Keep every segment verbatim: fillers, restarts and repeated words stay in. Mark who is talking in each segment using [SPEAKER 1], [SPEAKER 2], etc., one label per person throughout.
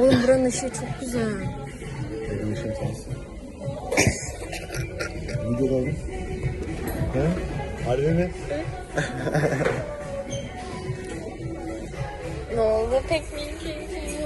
[SPEAKER 1] Oğlum buranın ışığı çok güzel.
[SPEAKER 2] Benim işim sensin. Videoda oğlum. He? Harbi mi?
[SPEAKER 1] Ne oldu pek bilmiyorum.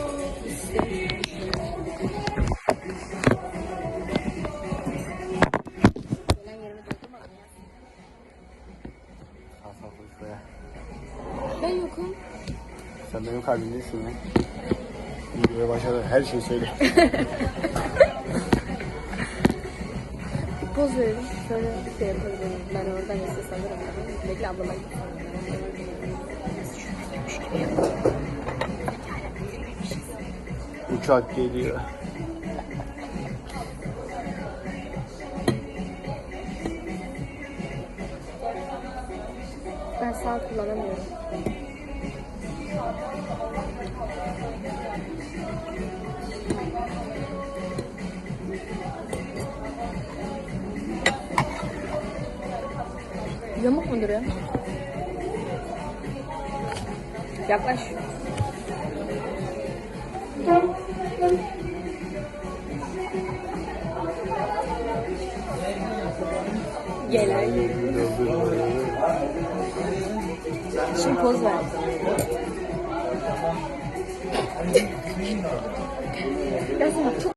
[SPEAKER 2] Hasan konuşmaya.
[SPEAKER 1] Ben yokum.
[SPEAKER 2] Sen benim kalbimdesin ya. Videoya başladı. Her şeyi söyle.
[SPEAKER 1] Bir poz verelim. Sonra bir şey yapabilirim. Ben oradan size sanırım. Bekle ablama gitsin.
[SPEAKER 2] Uçak geliyor.
[SPEAKER 1] Ben sağ kullanamıyorum. Yamuk mu duruyor? Yaklaş. Gelen. Şimdi poz ver. Ya sana çok